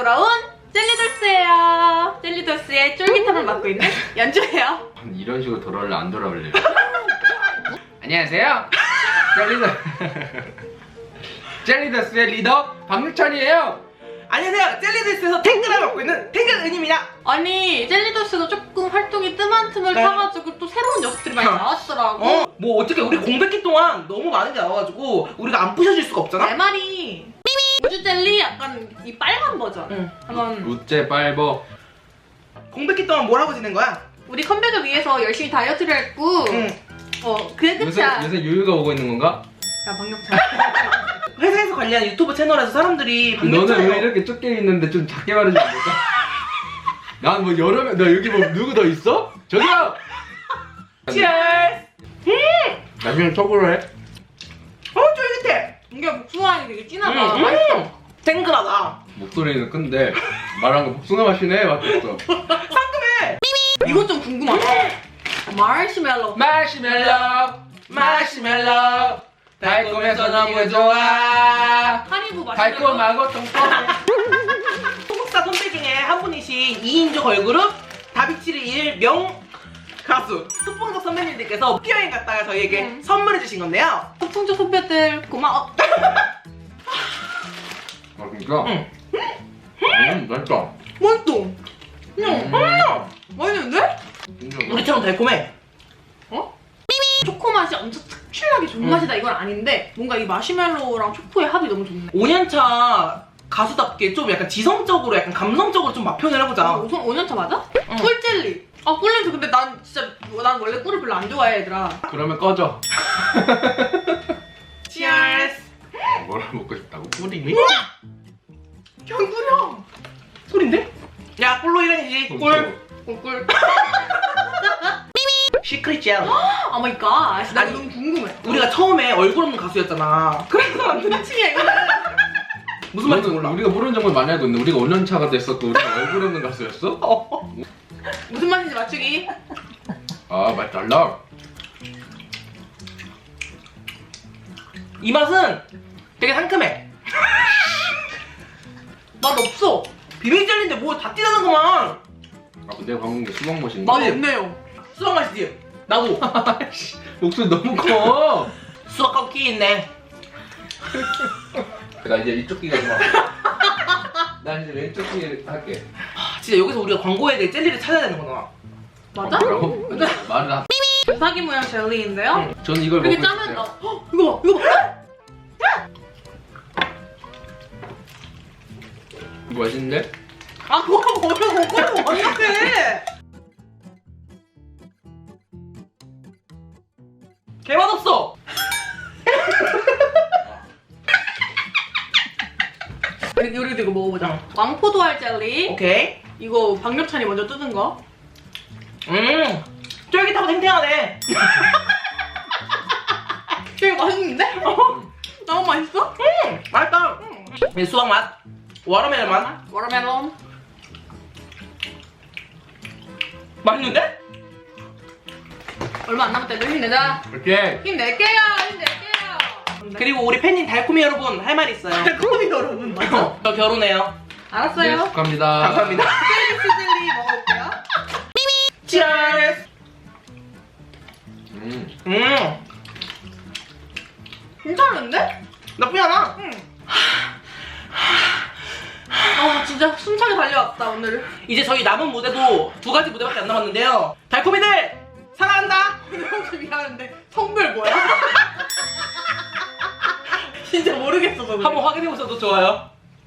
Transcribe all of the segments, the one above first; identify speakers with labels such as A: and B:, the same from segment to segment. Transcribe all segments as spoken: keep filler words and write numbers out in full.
A: 돌아온 젤리돌스예요. 젤리돌스의 쫄깃함을 맡고 있는 연주예요.
B: 이런 식으로 돌아올래 안 돌아올래요? 안녕하세요. 젤리더 젤리더스의 리더 박유찬이에요.
C: 안녕하세요. 젤리돌스에서 탱글을 맡고 있는 탱글은입니다.
A: 아니 젤리돌스도 조금 활동이 뜸한 틈을
C: 네.
A: 타가지고 또 새로운 녀석들이 많이 나왔더라고.
C: 어? 뭐 어떻게 우리 공백기 동안 너무 많은 게 나와가지고 우리가 안 부셔질 수가 없잖아?
A: 내 말이 우주 젤리 약간 이 빨간 버전.
C: 응.
A: 한번
B: 우째 빨버.
C: 공백기 동안 뭘 하고 지낸 거야?
A: 우리 컴백을 위해서 열심히 다이어트를 했고
C: 응.
A: 어 그게
B: 요새
A: 끝이야.
B: 요새 유유가 오고 있는 건가?
A: 야 박력찬.
C: 회사에서 관리하는 유튜브 채널에서 사람들이
B: 너는 왜
C: 박력찬이요.
B: 이렇게 좁게 있는데 좀 작게 말하지 않을까? 난 뭐 여러 명, 나 여기 뭐 누구 더 있어? 저기요!
C: 치얼스!
B: 나중에 톡으로 해.
C: 어 쫄깃해!
A: 이게 복숭아향이 되게 진하다.
C: 음,
A: 맛있어.
C: 음. 탱글하다.
B: 목소리는 큰데 말한 거 복숭아 맛이네 맞겠어.
C: 상큼해!
A: 이건 좀 궁금하다. 마시멜로.
B: 마시멜로 마시멜로 달콤해서 너무 좋아.
A: 하리보 마시멜로.
B: 달콤하고 통통해.
C: 소속사 선배 중에 한 분이신 이인조 걸그룹 다비치를 이을 명 가수 소풍석 선배님들께서 학교여행 갔다가 저희에게
A: 음.
C: 선물해주신 건데요.
A: 소풍조 선배들 고마워.
B: 아 진짜?
C: 응.
B: 음 맛있다.
C: 맛있어.
A: 응.
C: 음.
A: 맛있는데?
B: 진짜
C: 우리처럼 달콤해.
A: 어? 초코 맛이 엄청 특출나게 좋은
C: 음.
A: 맛이다 이건 아닌데 뭔가 이 마시멜로랑 초코의 합이 너무 좋네.
C: 오 년차 가수답게 좀 약간 지성적으로 약간 감성적으로 좀 맛 표현을 해보자.
A: 아, 우선 오 년차 맞아?
C: 응.
A: 꿀젤리. 아 꿀냄새 근데 난 진짜 난 원래 꿀을 별로 안 좋아해 얘들아.
B: 그러면 꺼져.
C: 치얼스.
B: 뭐를 먹고 싶다고?
C: 꿀이니?
A: 향구려.
C: 소린데? 야 꿀로 일행이지. 꿀.
A: 꿀꿀.
C: 시크릿 젤.
A: 오 마이 갓. 나
C: 아니,
A: 너무 궁금해.
C: 우리가 처음에 얼굴 없는 가수였잖아. 그래서 만든
A: 층이야 이거는.
C: 무슨 말인지 몰라.
B: 우리가 모르는 정보를 많이 알고 있는데 우리가 오 년 차가 됐었고 우리가 얼굴 없는 가수였어?
C: 어.
A: 무슨 맛인지 맞추기.
B: 아 맛 달라.
C: 이 맛은 되게 상큼해.
A: 맛 없어.
C: 비빔 젤리인데 뭐 다 띠다는구만.
B: 아 근데 방금 게 수박 맛인데?
A: 맛 없네요.
C: 수박 맛이지? 나도.
B: 목소리 너무 커.
C: 수박하고 키 있네.
B: 나 이제 이쪽 귀가 좀 난 이제 왼쪽 귀 할게.
C: 아, 진짜 여기서 우리가 광고해야 될 젤리를 찾아야 되는 거잖아.
A: 맞아?
B: 뭐라고? 말을 하...
A: 주사기 모양 젤리인데요.
C: 응.
B: 전 이걸 먹고
A: 이렇게 짜면
B: 싶어요.
A: 어, 헉, 이거 봐 이거 봐.
B: 이거 맛있는데?
A: 아 그거 먹으면 먹으면 어떡해.
C: 개맛 없어.
A: 우리 우리도 이거 먹어보자. 왕포도알 젤리.
C: 오케이.
A: 이거 박력찬이 먼저 뜯은 거.
C: 음. 쫄깃하고 탱탱하네.
A: 이거 맛있는데? 너무 맛있어?
C: 음. 맛있다. 이 수박 맛. 워터멜론 맛.
A: 워터멜론.
C: 맛있는데?
A: 얼마 안 남았다. 힘내자.
B: 오케이.
A: 힘낼게요. 힘낼게요.
C: 그리고 우리 팬님 달콤이 여러분 할 말 있어요.
A: 달콤이 여러분 맞아.
C: 저 결혼해요.
B: 네,
A: 알았어요.
B: 축하합니다.
C: 감사합니다.
A: 셀리스 젤리 먹어볼게요.
C: 치얼스.
B: 음.
C: 음.
A: 괜찮은데?
C: 나쁘지 않아.
A: 응. 아 진짜 숨차게 달려왔다 오늘.
C: 이제 저희 남은 무대도 두 가지 무대밖에 안 남았는데요. 달콤이들 사랑한다.
A: 근데 혹시 미안한데 성별 뭐야? 진짜 모르겠어서 그래.
C: 한번 확인해 보셔도 좋아요.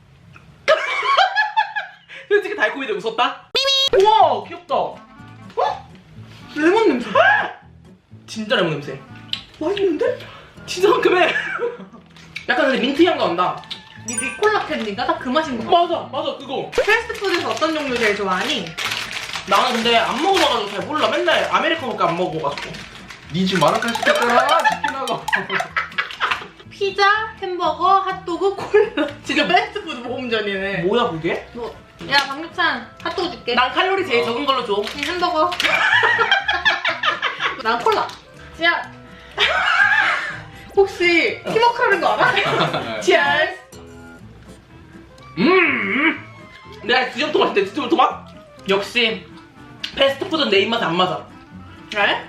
C: 솔직히 달콤이들 웃었다. 우와 귀엽다. 어?
A: 레몬 냄새.
C: 진짜 레몬 냄새.
A: 맛있는데?
C: 진짜 상큼해. 약간 근데 민트 향도 난다.
A: 니 리콜라 캔디인가? 딱 그 맛인 거 같아.
C: 맞아 맞아 그거.
A: 패스트푸드에서 어떤 종류 제일 좋아하니?
C: 나는 근데 안 먹어봐가지고 잘 몰라. 맨날 아메리카노밖에 안 먹어가지고.
B: 니 지금 마라카시 시켰잖아. 치킨하고.
A: 피자, 햄버거, 핫도그, 콜라. 진짜 패스트푸드 모험전이네.
C: 뭐야 그게?
A: 뭐, 야 박육찬 핫도그 줄게.
C: 난 칼로리 제일
B: 어.
C: 적은 걸로 줘.
A: 이 햄버거. 난 콜라. 야. 혹시 팀워크라는 거 알아? 치얼스.
B: 음.
C: 내가 지점토 맛인데 지점토 맛? 역시 패스트푸드는 내 입맛에 안 맞아. 네?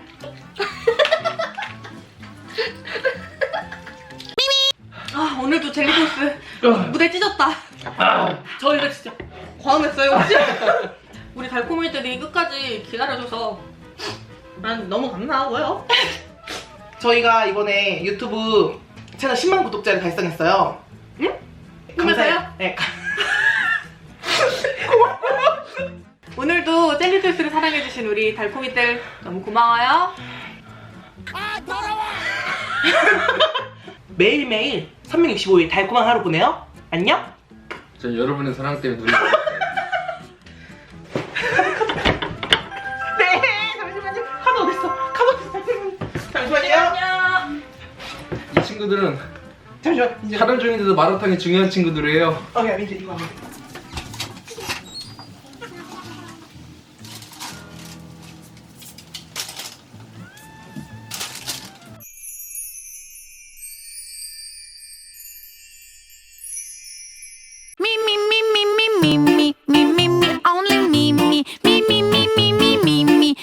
A: 아 오늘도 젤리토스
C: 어.
A: 무대 찢었다.
C: 아, 저 이거 진짜
A: 과음했어요 혹시? 우리 달콤이들이 끝까지 기다려줘서 난 너무 감사하고요.
C: 저희가 이번에 유튜브 채널 십만 구독자를 달성했어요. 응?
A: 꿈에서요?
C: 감사해요. 네.
A: 오늘도 젤리토스를 사랑해주신 우리 달콤이들 너무 고마워요.
C: 매일매일 삼백육십오 일 달콤한 하루 보내요. 안녕.
B: 전 여러분의 사랑 때문에 눈이 멀었어요.
C: 네, 잠시만요. 카드 어딨어? 카드 어딨어? 잠시만요.
A: 안녕.
B: 이 친구들은
C: 잠시만. 이제.
B: 촬영 중인데도 마라탕이 중요한 친구들이에요.
C: 어, 야, 민지 이거 안 돼.